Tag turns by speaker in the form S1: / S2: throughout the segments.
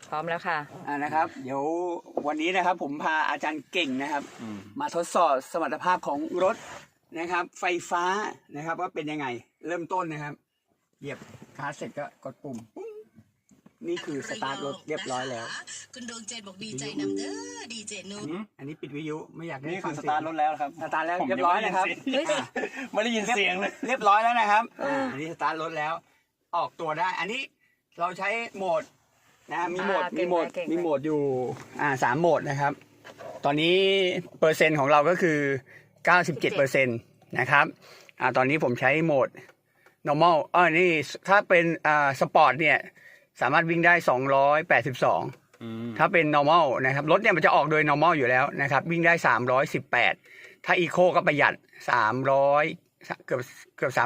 S1: พร้อมแล้วค่ะ
S2: นะครับเดี๋ยววันนี้นะครับผมพาอาจารย์เก่งนะครับมาทดสอบสมรรถภาพของรถนะครับไฟฟ้านะครับว่าเป็นยังไงเริ่มต้นนะครับเหยียบคลัตช์เสร็จก็กดปุ่มนี่คือสตาร์ทรถเรียบร้อยแล้ว
S3: คุณดวงใจบอกดีใจนำเด้อดีเจนุช
S2: อันนี้ปิดวิทยุไม่อยากได้
S4: นี่คือสตาร์ทรถแล้วครับ
S2: สตาร์ทแล้วเรียบร้อยนะครับ
S4: ไม่ได้ยินเสียงเลย
S2: เรียบร้อยแล้วนะครับอันนี้สตาร์ทรถแล้วออกตัวได้อันนี้เราใช้โหมดนะมีโหมดอยู่3โหมดนะครับตอนนี้เปอร์เซ็นต์ของเราก็คือ 97% นะครับตอนนี้ผมใช้โหมด normal นี่ถ้าเป็นสปอร์ตเนี่ยสามารถวิ่งได้282ถ้าเป็น normal นะครับรถเนี่ยมันจะออกโดย normal อยู่แล้วนะครับวิ่งได้318ถ้า eco ก็ประหยัด300เกือบ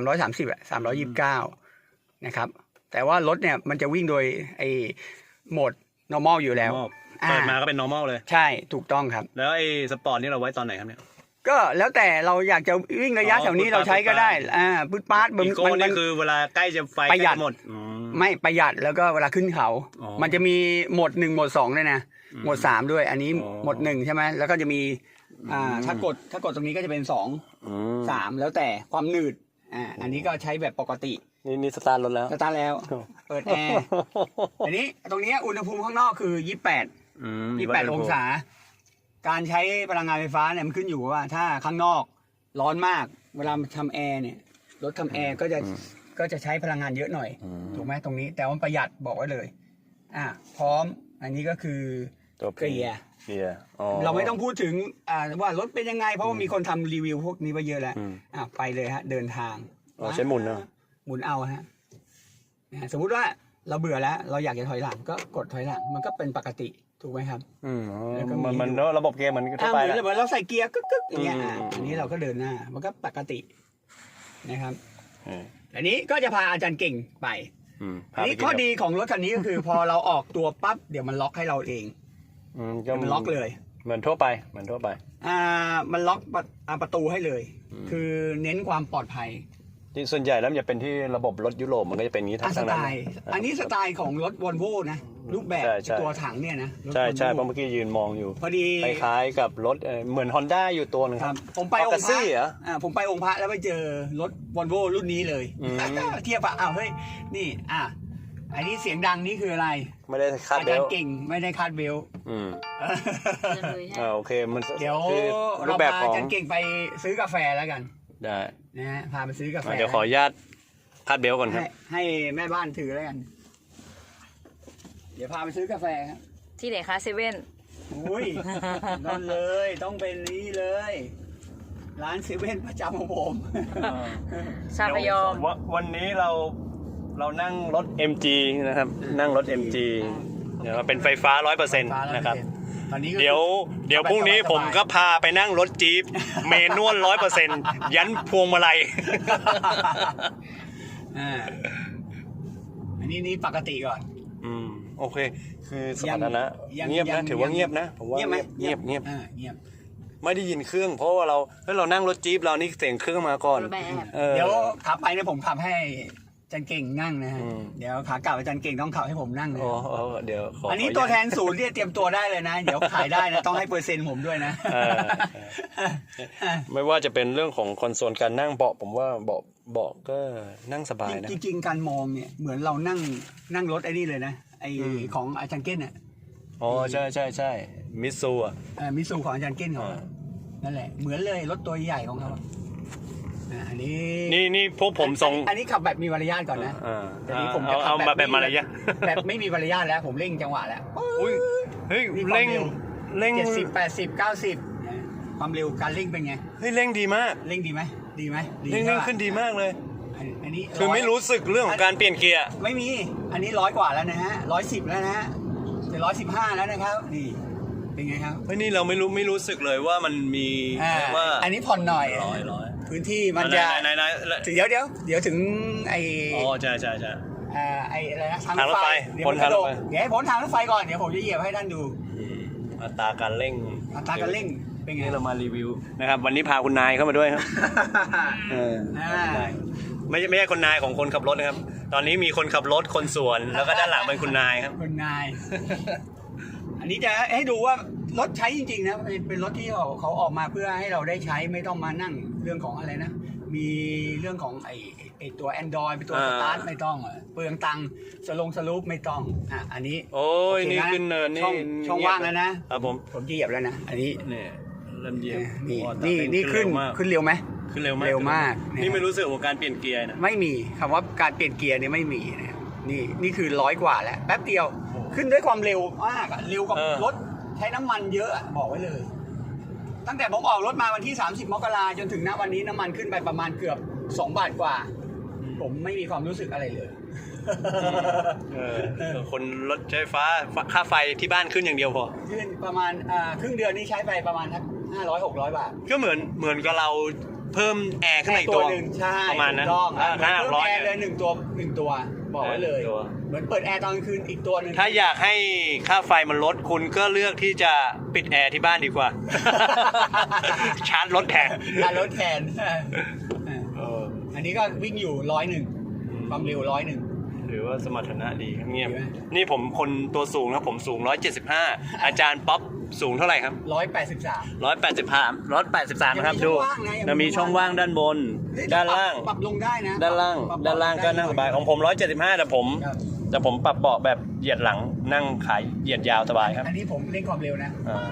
S2: 330329นะครับแต่ว่ารถเนี่ยมันจะวิ่งโดยไอ้โหมด normal อยู่แล้ว
S4: เปิดมาก็เป็น normal เลย
S2: ใช่ถูกต้องครับ
S4: แล้วไอ้สปอร์ตนี่เราไว้ตอนไหนครับเนี่ย
S2: ก็แล้วแต่เราอยากจะวิ่งระยะแถวนี้เราใช้ก็ได้ปื๊ดปาร์ต
S4: อีโก้นี่คือเวลาใกล้จะไฟ
S2: ประหยัด
S4: หมด
S2: ไม่ประหยัดแล้วก็เวลาขึ้นเขามันจะมีโหมด1โหมด2ด้วยนะโหมด3ด้วยอันนี้โหมด1ใช่ไหมแล้วก็จะมีถ้ากดตรงนี้ก็จะเป็น2 3แล้วแต่ความหนืดอันนี้ก็ใช้แบบปกติ
S4: นี่สตาร์ทรถแล้ว
S2: สตาร์ทแล้วเปิดแอร์อันนี้ตรงนี้อุณหภูมิข้างนอกคือ28องศาการใช้พลังงานไฟฟ้าเนี่ยมันขึ้นอยู่ว่าถ้าข้างนอกร้อนมากเวลาทำแอร์เนี่ยรถทำแอร์ก็จะใช้พลังงานเยอะหน่อยถูกไหมตรงนี้แต่ว่าประหยัดบอกไว้เลยพร้อมอันนี้ก็คือเกียร์เราไม่ต้องพูดถึงว่ารถเป็นยังไงเพราะว่ามีคนทำรีวิวพวกนี้ไปเยอะแล้วไปเลยฮะเดินทาง
S4: ใช้หมุนนะ
S2: หมุนเอาฮะสมมุติว่าเราเบื่อแล้วเราอยากจะถอยหลังก็กดถอยหลังมันก็เป็นปกติถูกไหมครับ
S4: มันระบบเกียร์เหมือนทั่วไป
S2: แล้วเหมือนเราใส่เกียร์กึกอย่างเงี้ยอันนี้เราก็เดินหน้ามันก็ปกตินะครับอันนี้ก็จะพาอาจารย์เก่งไปอันนี้ข้อดีของรถคันนี้ก็คือพอเราออกตัวปั๊บเดี๋ยวมันล็อกให้เราเองมันล็อกเลย
S4: เหมือนทั่วไป
S2: มันล็อกประตูให้เลยคือเน้นความปลอดภัย
S4: ที่ส่วนใหญ่แล้วมันจะเป็นที่ระบบรถยุโรปมันก็จะเป็นนี้ทั้งนั้น
S2: อันนี้สไตล์ของรถวอลโว่นะรูปแบบตัวถังเนี่ยนะ
S4: ใช่เพราะเมื่อกี้ยืนมองอยู่
S2: พอดี
S4: คล้ายๆกับรถเหมือน Honda อยู่ตัวนึงครับ
S2: ผมไปองค์พระผมไปองค์พระแล้วไปเจอรถวอลโว่รุ่นนี้เลยเทียบเฮ้ยนี่อันนี้เสียงดังนี่คืออะไร
S4: ไม่ได้คาดเบล
S2: อาจารย์เก่งไม่ได้คาดเบล
S4: โอเคมัน
S2: เดี๋ยวเราพาอาจารย์เก่งไปซื้อกาแฟแล้วกัน
S4: ได้
S2: นะฮะพาไปซื้อกาแฟ
S4: เดี๋ยวขออนุญาตคาดเบลก่อนครับ
S2: ให้แม่บ้านถือแล้วกันเดี๋ยวพาไปซื้อกาแฟครับ
S1: ที่ไหนคะเซเว่น
S2: อุ้ยนั่นเลยต้องเป็นนี้เลยร้านเซเว่นประจำของผม
S1: ชาพยอม
S4: วันนี้เรานั่งรถ MG นะครับนั่งรถ MG เดี๋ยวเป็นไฟฟ้า 100% นะครับเดี๋ยวพรุ่งนี้ผมก็พาไปนั่งรถจี๊ปเมนวล 100% ยันพวงมาลัย
S2: อันนี้ปกติก่อน
S4: โอเคคือสถานะเงียบนะถือว่าเงียบนะผมว่าเงียบไม่ได้ยินเครื่องเพราะว่าเรานั่งรถจี๊ปเรานี่เสียงเครื่องมาก่อน
S2: เดี๋ยวขับไปเนี่ยผมขับให้อาจารย์เก่งนั่งนะฮะเดี๋ยวขากลับอาจารย์เก่งต้องขับให้ผมนั่งเลย
S4: เดี๋ยว
S2: อันนี้ตัวแทนศูนย์ที่เตรียมตัวได้เลยนะเดี๋ยวขายได้นะต้องให้เปอร์เซ็นต์ผมด้วยนะ
S4: ไม่ว่าจะเป็นเรื่องของคอนโซลการนั่งเบาะผมว่าเบาะก็นั่งสบายนะ
S2: จริงๆการมองเนี่ยเหมือนเรานั่งรถไอ้นี่เลยนะไอของอาจารย์เก้นเนี่ย
S4: ใช่มิตซู
S2: มิตซูของอาจารย์เก้นเขานั่นแหละเหมือนเลยรถตัวใหญ่ของเขาอันนี้
S4: นี่พวกผมส่ง
S2: อันนี้ขับแบบมีมารยาทก่อนนะ
S4: แต่นี้ผมจะขับแบบมารยาท
S2: แบบไม่มีมารยาทแล้วผมเร่งจังหวะแล้ว
S4: เฮ้ยเร่ง
S2: 70 80 90ความเร็วการเร่งเป็นไง
S4: เฮ้ยเร่งดีมาก
S2: เร่งดีไหม
S4: เร่งขึ้นดีมากเลย
S2: อันนี้
S4: คือไม่รู้สึกเรื่องของการเปลี่ยนเกียร์
S2: ไม่มีอันนี้100กว่าแล้วนะฮะ110แล้วนะฮะจะ115แล้วนะครับนี่เป็นไงครับ
S4: เฮ้ยนี่เราไม่รู้สึกเลยว่ามันมีว่า
S2: อันนี้ผ่อนหน่อยพื้นที่มันจะเดี๋ยวถึงไอ
S4: ใช่
S2: ไออะไรนะทางรถไฟเดี๋ยวพ้นทางรถไฟก่อนเดี๋ยวผมจะเหยียบให้ท่านดู
S4: อัตราการเร่ง
S2: เป็นไง
S4: เรามารีวิวนะครับวันนี้พาคุณนายเข้ามาด้วยครับไม่ใช่คนนายของคนขับรถนะครับตอนนี้มีคนขับรถคนสวน แล้วก็ด้านหลังเป็นคุณนายครับ
S2: คุณนาย อันนี้จะให้ดูว่ารถใช้จริงๆนะเป็นรถที่เขาออกมาเพื่อให้เราได้ใช้ไม่ต้องมานั่งเรื่องของอะไรนะมีเรื่องของไอตัว Android เป็นตัวสตาร์ทไม่ต้องเปลืองตังค์สลูปไม่ต้องอันนี้
S4: โอ้ยนี่ขึ้นเนินนี่
S2: ช่องว่างแล้วนะครับ ผมเหยียบแล้วนะอันนี้
S4: เนี่ยเริ่มเหยียบ
S2: นี่ขึ้นเร็วไหม
S4: ขึ้นเร็วมาก
S2: เร็วมาก
S4: นี่ไม่รู้สึกของการเปลี่ยนเกียร์นะ
S2: ไม่มีคำว่าการเปลี่ยนเกียร์เนี่ยไม่มีนะนี่คือ100 กว่าแล้วแป๊บเดียวขึ้นด้วยความเร็วมากเร็วกับรถใช้น้ำมันเยอะบอกไว้เลย ตั้งแต่ผมออกรถมาวันที่30 มกราจนถึงณวันนี้น้ำมันขึ้นไปประมาณเกือบ2 บาทกว่าผมไม่มีความรู้สึกอะไรเลย
S4: คนรถใช้ฟ้าค่าไฟที่บ้านขึ้นอย่างเดียวพอ
S2: ขึ้นประมาณครึ่งเดือนนี้ใช้ไปประมาณ500-600 บาท
S4: ก็เหมือนกับเราเพิ่มแอร์ขึ้นมาอีกตัว
S2: หนึ่งใช่
S4: ประมาณนั้น
S2: ถูกต้อง
S4: 500
S2: เพิ่มแอร์เลย1 ตัวบอกไว้เลย
S4: ตัว
S2: เหมือนเปิดแอร์ตอนกลางคืนอีกตัวหนึ่ง
S4: ถ้าอยากให้ค่าไฟมันลดคุณก็เลือกที่จะปิดแอร์ที่บ้านดีกว่า ชาร์จรถแทน
S2: รถแทนอันนี้ก็วิ่งอยู่101ความเร็ว101
S4: หรือว่าสมรรถนะดีครับเงียบ
S2: ดีไหม
S4: นี่ผมคนตัวสูงนะผมสูง175อาจารย์ป๊อปสูงเท่าไหร่ครับ
S2: 183
S4: 183นะครับ
S2: ยังมี
S4: ดู
S2: ช่องว่างนะยังมี
S4: มีช่องว่างด้านบน ด้านล่าง
S2: ปรับลงได้นะ
S4: ด้านล่าง
S2: ปรับ
S4: ด้านล่างก็นั่งสบายของผม175แต่ผม
S2: ครับ
S4: แต่ผมปรับเบาะแบบเหยียดหลังนั่งขายเหยียดยาวสบายครับ
S2: อันนี้ผมเร่งความเร็วนะ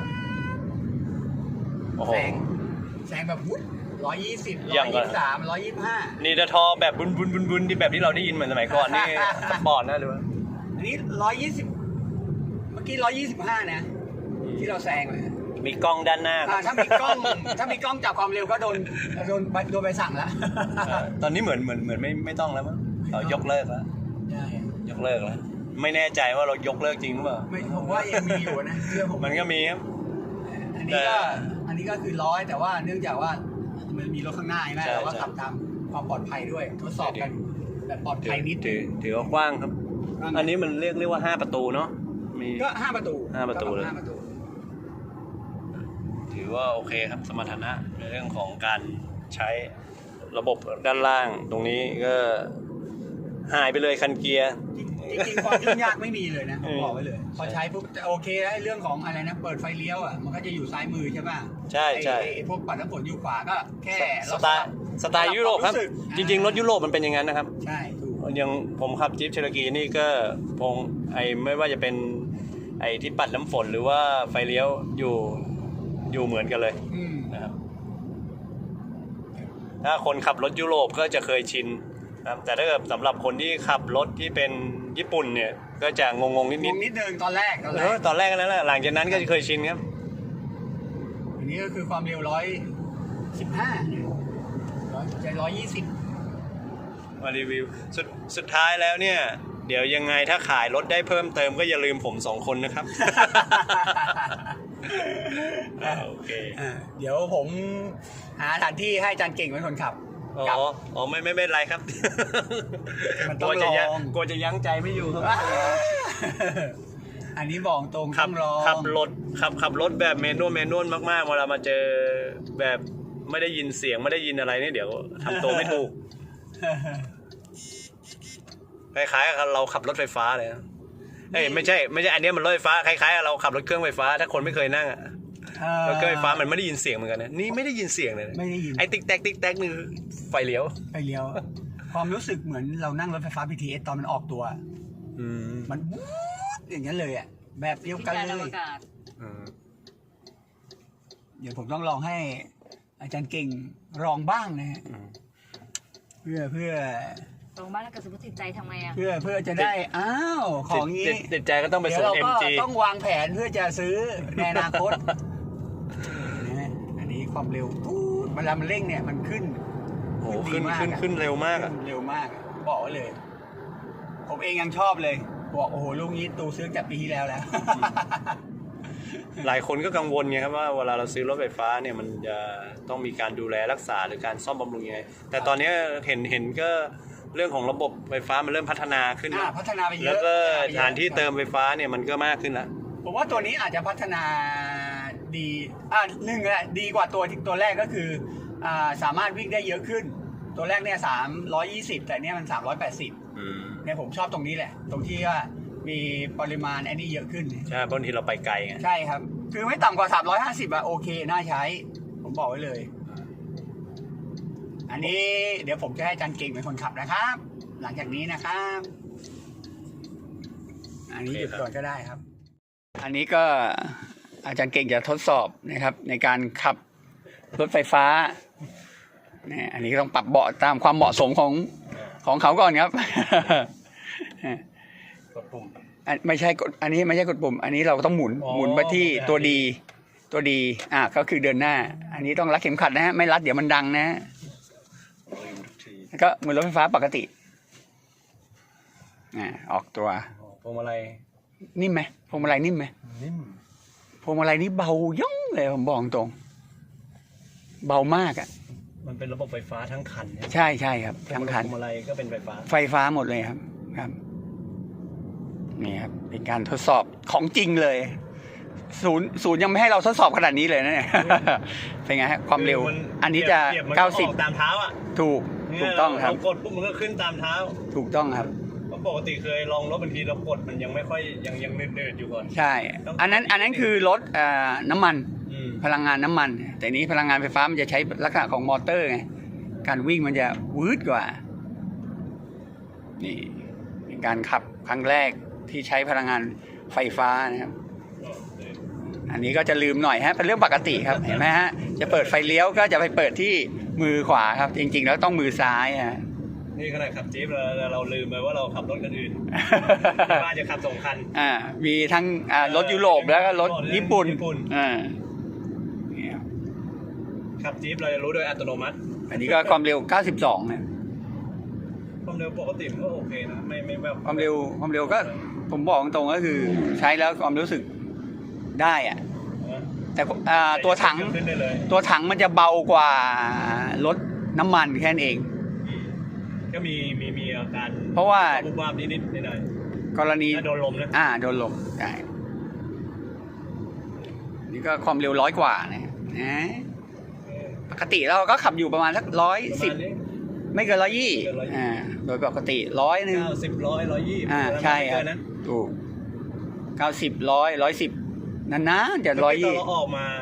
S4: โอ้โห
S2: แซงแบบวุ้น120
S4: อย่างก่อน
S2: 123 125
S4: นี่จะทอแบบบุนที่แบบที่เราได้ยินเหมือนสมัยก่อนนี่สปอร์ตนะหรือว่า
S2: อันนี้120เมื่อกี้125นะที่เราแซงเลย
S4: มีกล้องด้านหน้า
S2: ถ้ามีกล้องจับความเร็วก็โดนใบสั่งแล้ว
S4: ตอนนี้เหมือนไม่ต้องแล้วมั้งเรายกเลิกแล้ว
S2: ใช่
S4: ยกเลิกแล้วไม่แน่ใจว่าเรายกเลิกจริงหรือเปล่า
S2: ไม่ผมว่ายังมีอยู่นะเชื่อผม
S4: มันก็มีครับ
S2: อันนี้ก็คือ100แต่ว่าเนื่องจากว่ามันมีรถข้างหน้าใช่ไหมเราก็ขับตามความปลอดภัยด้วยทดสอบกันแบบปลอดภัยนิด
S4: ถือว่ากว้างครับ อันนี้มันเรียกว่า5ประตูเนาะมี
S2: ก็5 ประตู
S4: 5 ประตูเลย
S2: 5 ประตู
S4: ถือว่าโอเคครับสมรรถนะในเรื่องของการใช้ระบบด้านล่างตรงนี้ก็หายไปเลยคันเกียร์
S2: จริงๆความยุ่งยากไม่มีเลยนะผมบอกไว้เลยพอใช้ปุ๊บโอเคไอ้เรื่องของอะไรนะเปิดไฟเลี้ยวมันก็จะอยู่ซ้ายมือใช่ป่ะ
S4: ใช่ใช่
S2: ไอ้พวกปัดน้ำฝนอยู่ขวาก็แค่
S4: สไตล์ยุโรปครับ จริงๆรถยุโรปมันเป็นอย่างนั้นนะครับ
S2: ใช่ถูก
S4: อย่างผมขับจี๊ปเชอร์กีนี่ก็พงไม่ว่าจะเป็นไอ้ที่ปัดน้ำฝนหรือว่าไฟเลี้ยวอยู่เหมือนกันเลยนะครับถ้าคนขับรถยุโรปก็จะเคยชินนะครับแต่ถ้าเกิดสำหรับคนที่ขับรถที่เป็นญี่ปุ่นเนี่ยก็จะงงนิด
S2: นิดนึงตอนแรก
S4: ตอนแรกนั่นแหละหลังจากนั้นก็จะเคยชินครับ
S2: อันนี้ก็คือความเร็ว115ใจ120
S4: มารีวิวสุดท้ายแล้วเนี่ยเดี๋ยวยังไงถ้าขายรถได้เพิ่มเติมก็อย่าลืมผม2 คนนะครับ โอเค
S2: เดี๋ยวผมหาสถานที่ให้อาจารย์เก่งเป็นคนขับ
S4: อ๋อไม่เป็นไรครับ
S2: มัน
S4: ก
S2: ต้
S4: ลั
S2: อ
S4: ว
S2: ง
S4: จะ
S2: ลอง
S4: กลัวจะยั้งใจไม่อยู่ครับ
S2: อันนี้บอกตรง
S4: ขั
S2: ต้
S4: บ
S2: องลอง
S4: ขับรถแบบเมนวลมากๆเวลามาเจอแบบไม่ได้ยินเสียงไม่ได้ยินอะไรเนี่ยเดี๋ยวทำตัวไม่ถูก คล้ายๆกับเราขับรถไฟฟ้าเลยนะเอ้ยไม่ใช่อันนี้มันรถไฟฟ้าคล้ายๆกับเราขับรถเครื่องไฟฟ้าถ้าคนไม่เคยนั่งรถเครื่องไฟฟ้ามันไม่ได้ยินเสียงเหมือนกันนะนี่ไม่ได้ยินเสียงเลยนะ
S2: ไม่ได้ยิน
S4: ไอ้ติ๊กแท็กนี่ไฟเลี้ยว
S2: ไปเลี้ยว ความรู้สึกเหมือนเรานั่งรถไฟฟ้า BTS ตอนมันออกตัว มันวู๊ดอย่างนั้นเลยแบบเดียวกันเลย เดี๋ยวผมต้องลองให้อาจารย์เก่งลองบ้างนะฮะเพื่อ
S1: ตรงบ้านแล้วก็สมมติติดใจทำไงอ่ะ
S2: เพื่อจะได้ของนี้
S4: ติดใจก็ต้องไป
S2: เดี๋ย
S4: ส่
S2: ว
S4: ง
S2: เราก็
S4: MG
S2: ต้องวางแผนเพื่อจะซื้อในอนาคตนะอันนี้ความเร็วเวลามันเร่งเนี่ยมันขึ้น
S4: โอ้ขึ้นเร็วมากอะ
S2: เร็วมากบอกไว้เลย ผมเองยังชอบเลยบอกโอ้โหลูกนี้ตูซื้อจากปีที่แล้ว
S4: หลายคนก็กังวลไงครับว่าเวลาเราซื้อรถไฟฟ้าเนี่ยมันจะต้องมีการดูแลรักษาหรือการซ่อมบำรุงยังไงแต่ตอนนี้เห็นก็เรื่องของระบบไฟฟ้ามันเริ่มพัฒนาขึ้น
S2: พัฒนาไปเยอะ
S4: แล้วก็สถานที่เติมไฟฟ้าเนี่ยมันก็มากขึ้นแล้ว
S2: ผมว่าตัวนี้อาจจะพัฒนาดีดีกว่าตัวแรกก็คือสามารถวิ่งได้เยอะขึ้น ตัวแรกเนี่ย320แต่เนี่ยมัน380 เนี่ยผมชอบตรงนี้แหละ ตรงที่ว่ามีปริมาณไอ้นี่เยอะขึ้น
S4: ใช่บางทีเราไปไกลไง
S2: ใช่ครับ คือไม่ต่ำกว่า350อะโอเคน่าใช้ ผมบอกไว้เลย อันนี้เดี๋ยวผมจะให้อาจารย์เก่งเป็นคนขับนะครับ หลังจากนี้นะครับ อันนี้หยุดก่อนก็ได้ครับ อันนี้ก็อาจารย์เก่งจะทดสอบนะครับ ในการขับรถไฟฟ้าเนี่ยอันนี้ก็ต้องปรับเบาะตามความเหมาะสมของเขาก่อนครับ
S4: กดปุ่ม
S2: ไม่ใช่กดอันนี้ไม่ใช่กดปุ่ม อันนี้เราต้องหมุนไปที่ตัวดีก็คือเดินหน้า อันนี้ต้องรัดเข็มขัดนะฮะไม่รัดเดี๋ยวมันดังนะฮะก็เหมือนรถไฟฟ้าปกติออกตัว
S4: พวงมาลัย
S2: นิ่มไหมพวงมาลัยนิ่มไหม
S4: นิ่ม
S2: พวงมาลัยนี้เบาย่องเลยผมบอกตรงเบามากอ่ะ
S4: มันเป็นระบบไฟฟ้าทั้งคันเนี่ย
S2: ใช่ครับทั้งคัน
S4: พวงมาลัยก็เป็นไฟฟ้า
S2: ไฟฟ้าหมดเลยครับนี่ครับเป็นการทดสอบของจริงเลยศูนย์ยังไม่ให้เราทดสอบขนาดนี้เลยนะเนี่ย เป็นไงฮะความเร็ว อันนี้จะ
S4: เปรียบมันก็ออกตามเท้าอ่ะ
S2: ถูกต้องครับ
S4: เรากดปุ๊บมันก็ขึ้นตามเท้า
S2: ถูกต้องครับ
S4: เพราะปกติเคยลองรถบางทีเรากดมันยังไม่ค่อยยังเดือดอยู่ก่อน
S2: ใช่ อันนั้นคือรถน้ำมัน
S4: ม
S2: พลังงานน้ำมัน แต่นี้พลังงานไฟฟ้ามันจะใช้ลักษณะของมอเตอร์ไงการวิ่งมันจะวืดกว่านี่เป็นการขับครั้งแรกที่ใช้พลังงานไฟฟ้านะครับอันนี้ก็จะลืมหน่อยฮะเป็นเรื่องปกติครับ เห็นไหมฮะจะเปิดไฟเลี้ยวก็จะไปเปิดที่มือขวาครับ จริงๆแล้วต้องมือซ้ายฮะ
S4: นี่ขนาดขับจี๊ปเราลืมไปว่าเราขับรถกันอื่น บ้านจะขับ2 คัน
S2: มีทั้งรถยุโรปแล้วก็รถญี่ปุ่นนี่ครับ
S4: ขับจี๊ปเราจะรู้โดยอัตโนมัติ
S2: อันนี้ก็ความเร็ว92นะ
S4: ความเร็วปกติมันก็โอเคนะไม่แบบ
S2: ความเร็วก็ผมบอกตรงๆก็คือใช้แล้วความรู้สึกได้อะแต่ตัวถัง
S4: ขึ้นได้เลย
S2: ตัวถังมันจะเบากว่ารถน้ำมันแค่นั้นเอง
S4: ก็มีอาการ
S2: เพราะว่า
S4: บุบวาบนิดหน่อย
S2: กรณี
S4: ถ้าโดนลมนะ
S2: โดนลมใช่นี่ก็ความเร็ว100 กว่านะปกติเราก็ขับอยู่ประมาณสัก110ไม่เกิน120โดยปกติ100 นึง
S4: 90 100 120
S2: ใช่ครับถูก90 100 110นานๆจะ
S4: เราออก
S2: 120
S4: มา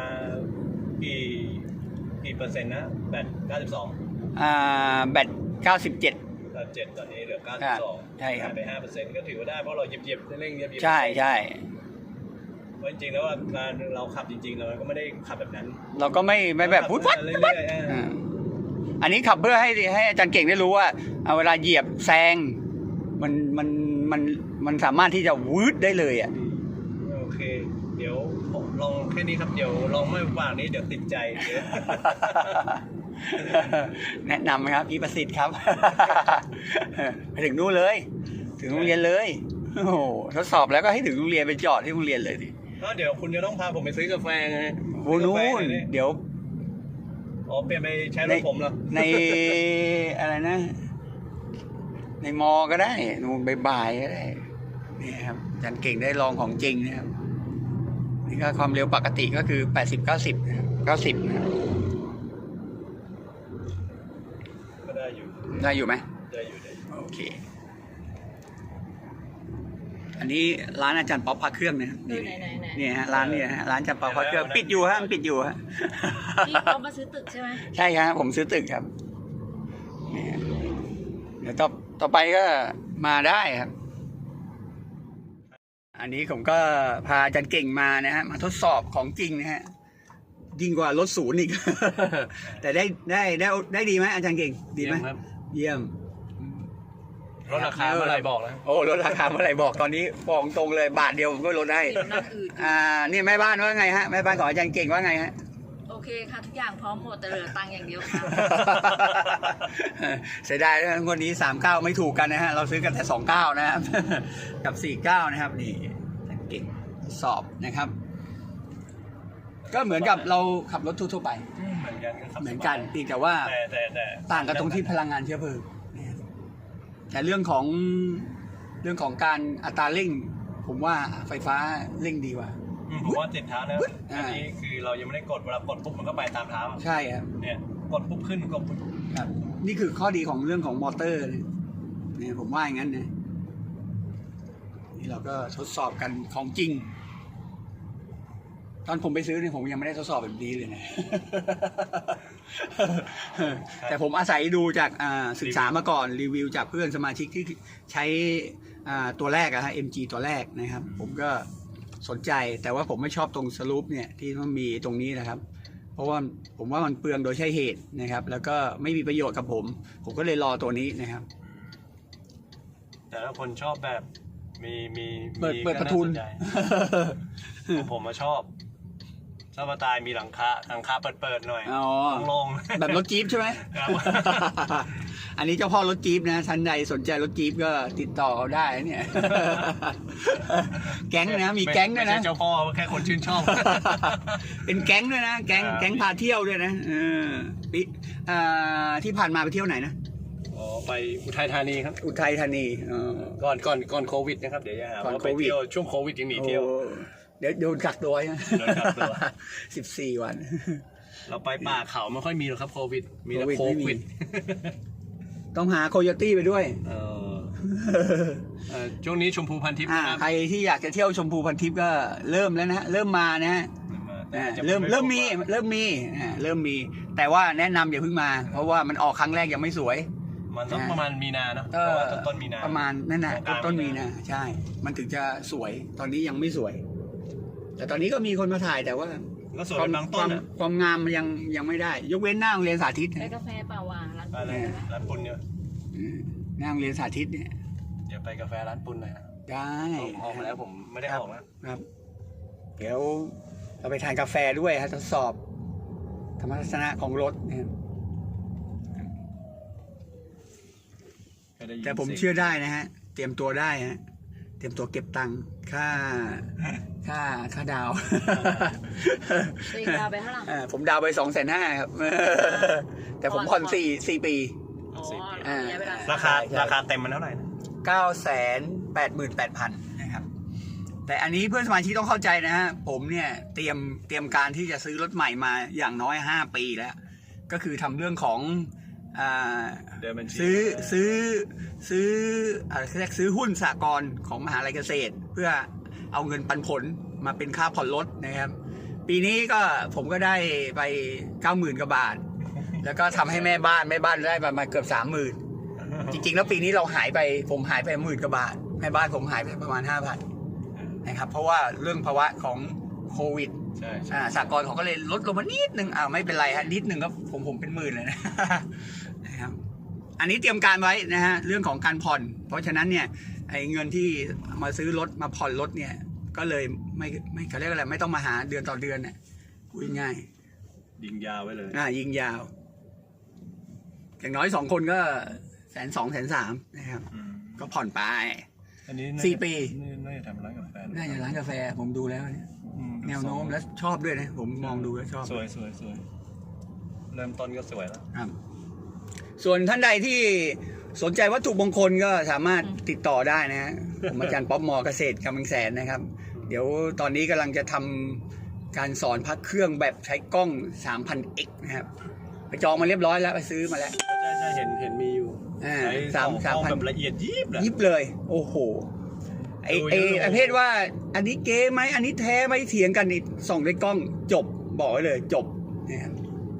S4: กี่เปอร์เซ็นต์นะแบต92
S2: แบต97
S4: 7ตอนนี้เหลือ92
S2: ใช่ครับ
S4: ไป 5% ก็ถือว่าได้เพราะเราเหยียบเร่งเหยียบ
S2: ใช่
S4: เพราะจริงๆแล้วการเราขับจริงๆเราก็ไม่ได้ขับแบบนั้น
S2: เราก็ไม่แบบพุทธ
S4: เรื่อยๆ
S2: อันนี้ขับเพื่อให้อาจารย์เก่งได้รู้ว่าเวลาเหยียบแซงมันสามารถที่จะวืดได้เลยอ่ะ
S4: โอเค เดี๋ยวผมลองแค่นี้ครับเดี๋ยวลองไม่ฝากนี้เดี๋ยวติดใจ
S2: แนะนำครับพี่ประสิทธิ์ครับ ไปถึงนู่นเลย ถึงโรงเรียนเลยโอ้โหทดสอบแล้วก็ให้ถึงโรงเรียนไปจอดที่โรงเรียนเลยดิ
S4: ก็เดี๋ยวคุณจะต้องพาผมไปซื้อกาแฟไง
S2: โอ้นู่นเดี๋ยว
S4: เปลี่ยนไปใช้รถผมเหรอ
S2: ในอะไรนะ ในมอก็ได้นู่นบ่ายๆก็ได้นี่ครับอาจารย์เก่งได้ลองของจริงนะครับนี่ก็ความเร็วปกติก็คือ80-90นะครับ
S4: ก็ได้อยู่
S2: ได้อยู่ไหม
S4: ได้อยู่
S2: โอเค อันนี้ร้านอาจารย์ป๊อปพักเครื่องนะครับ
S1: ไหน
S2: นี่ฮะร้านนี่ฮะร้านอาจารย์ป๊อปพักเครื่องปิดอยู่ฮะปิดอยู่ฮะ
S1: พี่เขามาซื้อตึกใช่ไหม
S2: ใช่ครับผมซื้อตึกครับนี่ฮะเดี๋ยวต่อไปก็มาได้ครับ อันนี้ผมก็พาอาจารย์เก่งมานะฮะมาทดสอบของจริงนะฮะยิ่งกว่ารถศูนย์อีก แต่ได้ดีไหมอาจารย์เก่งดีไหม
S4: ครับ
S2: เยี่ยม
S4: ลดราคาเมื่อไหร่บอกแล้ว
S2: โอ้ลดราคาเมื่อไหร่บอกตอนนี้บอกตรงเลยบาทเดียวผมก็ลดได้
S1: ติดนั่นอื่น
S2: นี่แม่บ้านว่าไงฮะแม่บ้านของอาจารย์เก่งว่าไงฮะ
S1: โอเคค่ะทุกอย่างพร้อมหมดแต่เหลือตังค์อย่างเดียวค่ะ
S2: เสียดายนะงวดนี้39ไม่ถูกกันนะฮะเราซื้อกันแต่29นะครับ กับ49นะครับนี่เก่งสอบนะครับ ก็เหมือนกับเราขับรถทั่วๆไป
S4: เหมือนกันครับ
S2: เหมือนกันเพียงแต่ว่า
S4: แต่
S2: ต่างกันตรงที่พลังงานเชื้อเพลิงแต่เรื่องของการอัตราเร่ง ผมว่าไฟฟ้าเร่งดีกว่า
S4: ผมว่าติดเท้าแล้วอันนี้คือเรายังไม่ได้กดเวลากดปุ๊บมันก็ไปตามเท้า
S2: ใช่ครับ
S4: เนี่ยกดปุ๊บขึ้นกดปุ๊บ
S2: ครับนี่คือข้อดีของเรื่องของมอเตอร์เนี่ยผมว่าอย่างนั้นนะนี่เราก็ทดสอบกันของจริง ตอนผมไปซื้อเนี่ยผมยังไม่ได้ทดสอบแบบนี้เลยนะ แต่ผมอาศัยดูจากศึกษามาก่อนรีวิวจากเพื่อนสมาชิกที่ใช้ตัวแรกอะฮะ MG ตัวแรกนะครับ ผมก็สนใจแต่ว่าผมไม่ชอบตรงสลูปเนี่ยที่มันมีตรงนี้นะครับ เพราะว่าผมว่ามันเปลืองโดยใช่เหตุนะครับ แล้วก็ไม่มีประโยชน์กับผมก็เลยรอตัวนี้นะครับ
S4: แต่ถ้าคนชอบแบบมี
S2: เปิดประทุน
S4: ก็าสใจผมมาชอบสไตล์มีหลังคาเปิดหน่อย
S2: อ๋อ
S4: โล่ง
S2: แบบรถจี๊ปใช่ไหม
S4: ครับ
S2: อันนี้เจ้าพ่อรถจี๊ปนะท่านใดสนใจรถจี๊ปก็ติดต่อเขาได้เนี่ย แก๊งนะมีแก๊งด้วยนะ
S4: ไม่ใช่เจ้าพ่อแค่คนชื่นชอบ
S2: เป็นแก๊งด้วยนะแก๊งพาเที่ยวด้วยนะปีที่ผ่านมาไปเที่ยวไหนนะ
S4: อ๋อไปอุทัยธานีครับ
S2: อุทัยธานี
S4: ก่อนโควิดนะครับเดี๋ยวจะหาว่าไปเที่ยวช่วงโควิดยังหนีเที่ยว
S2: เดี๋ยวโดนกักตัวใช่ไหม
S4: โดนกักตัว
S2: 14 วัน
S4: เราไปป่าเขาไม่ค่อยมีหรอกครับโควิดมีแต่
S2: โควิด
S4: โค
S2: ไม่มี
S4: วิด
S2: ต้องหาโคโยตี้ไปด้วย
S4: ช่วงนี้ชมพูพันทิพย์นะครับ
S2: ใครที่อยากจะเที่ยวชมพูพันทิพย์ก็เริ่มแล้วนะเริ่มมานะฮะ เริ่มมีแต่ว่าแนะนำอย่าเพิ่งมา เพราะว่ามันออกครั้งแรกยังไม่สวย
S4: มันต้องประมาณมีนาเนาะเพราะว่าต้นมีนา
S2: ประมาณนั่นน่ะ
S4: กลางๆ
S2: ต้นมีนาใช่ มันถึงจะสวยตอนนี้ยังไม่สวย แต่ตอนนี้ก็มีคนมาถ่ายแต่ว่า
S4: ก็สวยเป็นบางต้นอะ
S2: ความงามมันยังไม่ได้ ยกเว้นหน้าโรงเรียนสาธิต
S1: ไปกาแฟเปล่าวางร้าน
S4: อะไรร้านปุนเนี่ย
S2: หน้าโรงเรียนสาธิตเนี่ย
S4: เดี๋ยวไปกาแฟร้านปุนหน่อยนะ
S2: ได้
S4: ออกมาแล้วผมไม่ได้ออกนะครับ
S2: เดี๋ยวเราไปทานกาแฟด้วยฮะทดสอบธรรมทัศนะของรถนะครับ แต่ผมเชื่อได้นะฮะ เตรียมตัวได้ฮะ เตรียมตัวเก็บตังค์ค่าดาว
S1: ตีดาวไปเท่าไหร่
S2: ผมดาวไป250,000ครับ แต่ผมผ่อน4 ปี
S1: อ๋อ
S2: อ่า
S1: ระยะเวลา
S4: ราคาเต็มมันเท่าไหร่นะ
S2: 988,000 นะครับ แต่อันนี้เพื่อนสมาชิกต้องเข้าใจนะฮะ ผมเนี่ยเตรียมการที่จะซื้อรถใหม่มาอย่างน้อย5 ปีแล้ว ก็คือทำเรื่องของ
S4: เดินบัญชี
S2: ซื้ออะไรเรียกซื้อหุ้นสหกรณ์ของมหาลัยเกษตร เพื่อเอาเงินปันผลมาเป็นค่าผ่อนรถนะครับ ปีนี้ก็ผมก็ได้ไป 90,000 กว่าบาท แล้วก็ทำให้แม่บ้านได้ประมาณเกือบ 30,000 จริงๆแล้วปีนี้ผมหายไป10,000 กว่าบาทแม่บ้านผมหายไปประมาณ 5,000 นะครับ เพราะว่าเรื่องภาวะของโควิด
S4: ใช่
S2: สหกรณ์เขาก็เลยลดลงมานิดนึงไม่เป็นไรฮะนิดนึงก็ผมเป็น10,000เลยนะ นะครับอันนี้เตรียมการไว้นะฮะเรื่องของการผ่อนเพราะฉะนั้นเนี่ยไอ้เงินที่มาซื้อรถมาผ่อนรถเนี่ยก็เลยไม่เขาเรียกอะไรไม่ต้องมาหาเดือนต่อเดือนน่ะพูดง่าย
S4: ยิงยาวไว้เลย
S2: ยิงยาวอย่างน้อย2 คนก็120,000 130,000นะครับก็ผ่อนไป
S4: อันนี้
S2: 4 ปี
S4: น่าจะทำร้านกาแฟ
S2: น่าจะร้านกาแฟผมดูแล้วเนี่ยแนวโน้มแล้วชอบด้วยนะผมมองดูแล้วชอบ
S4: สวยเริ่มต้นก็สวยแล้ว
S2: ครับส่วนท่านใดที่สนใจวัตถุมงคลก็สามารถติดต่อได้นะฮะผมอาจารย์ป๊อปมอเกษตรกำลังแสนนะครับ เดี๋ยวตอนนี้กำลังจะทำการสอนพักเครื่องแบบใช้กล้อง 3000x นะครับไปจองมาเรียบร้อยแล้วไปซื้อมาแล้ว
S4: ใช่เห็นมีอยู่
S2: ใช่3,000
S4: แบบละเอียดยิบ
S2: เลย โอ้โหไอ้ประเภทว่าอันนี้เก๊ไหมอันนี้แท้ไหมเถียงกันนี่ส่องด้วยกล้องจบบอกไว้เลยจบนะครับ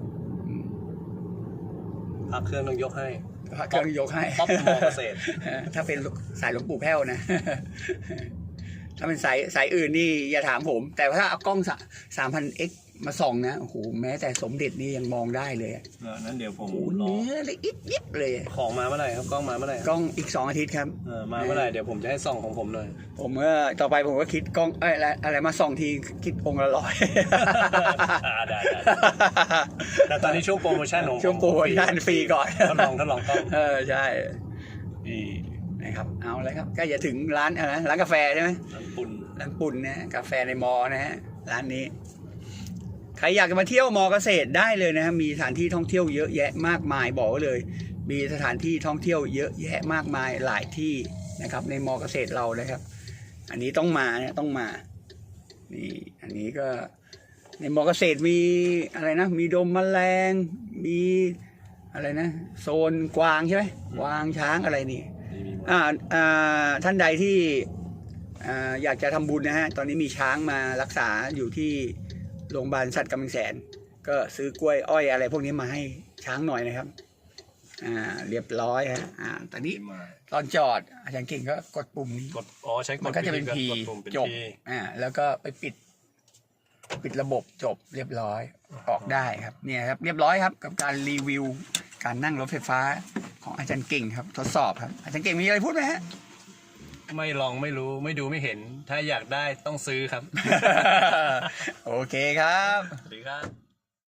S4: พักเครื่องต้องยกให้
S2: พระเครื่องยกให้
S4: ป๊อปมอเกษตร
S2: ถ้าเป็นสายหลวงปู่แพ้วนะ ถ้าเป็นสายอื่นนี่อย่าถามผม แต่ถ้าเอากล้อง 3000x มาส่องนะโอ้โหแม้แต่สมเด็จนี่ยังมองได้เลยอ่ะ
S4: นั้นเดี๋ยวผม
S2: โอ้โห
S4: รอ
S2: เนื้อเลยอิบเลย
S4: ของมาเมื่อไหร่ครับกล้องมาเมื่อไหร่
S2: กล้องอีก2 อาทิตย์ครับ
S4: มาเมื่อไหร่เดี๋ยวผมจะให้ส่องของผมเลย
S2: ผมก็ต่อไปผมก็คิดกล้องอะไรมาส่องทีคิดองค์ละ100
S4: ได้ แต่ตอนนี้ช่วงโปรโมชั่นของผม
S2: ช่วงโปรโมชั่นฟรีก่อน
S4: ทดลองกล้อง
S2: ใช่นี่นะครับเอาเลยครับก็อย่าถึงร้านอะไรร้านกาแฟใช่ไหม
S4: ร้านปุ่น
S2: ร้านปุ่นนะกาแฟในมอนะฮะร้านนี้ใครอยากจะมาเที่ยวมอเกษตรได้เลยนะฮะมีสถานที่ท่องเที่ยวเยอะแยะมากมายบอกไว้เลย มีสถานที่ท่องเที่ยวเยอะแยะมากมายหลายที่นะครับในมอเกษตรเรานะครับ อันนี้ต้องมาเนี่ยต้องมานี่อันนี้ก็ในมอเกษตรมีอะไรนะมีดมแมลงมีอะไรนะโซนกวางใช่ไหมกวางช้างอะไรนี่ท่านใดที่อยากจะทำบุญนะฮะตอนนี้มีช้างมารักษาอยู่ที่โรงพยาบาลสัตว์กำแพงแสนก็ซื้อกล้วยอ้อยอะไรพวกนี้มาให้ช้างหน่อยนะครับเรียบร้อยฮะตอนนี้ตอนจอดอาจารย์เก่งก็กดปุ่มนี้
S4: กดใช้กด
S2: มันก็จะเป็น P
S4: กดปุ่มเป็น
S2: จบ
S4: P
S2: แล้วก็ไปปิดระบบจบเรียบร้อยออกได้ครับเนี่ยครับเรียบร้อยครับกับการรีวิวการนั่งรถไฟฟ้าของอาจารย์เก่งครับทดสอบครับอาจารย์เก่งมีอะไรพูดไหมฮะ
S4: ไม่ลองไม่รู้ไม่ดูไม่เห็น ถ้าอยากได้ต้องซื้อครับ
S2: โอเคครับ
S4: สวัสดีครับ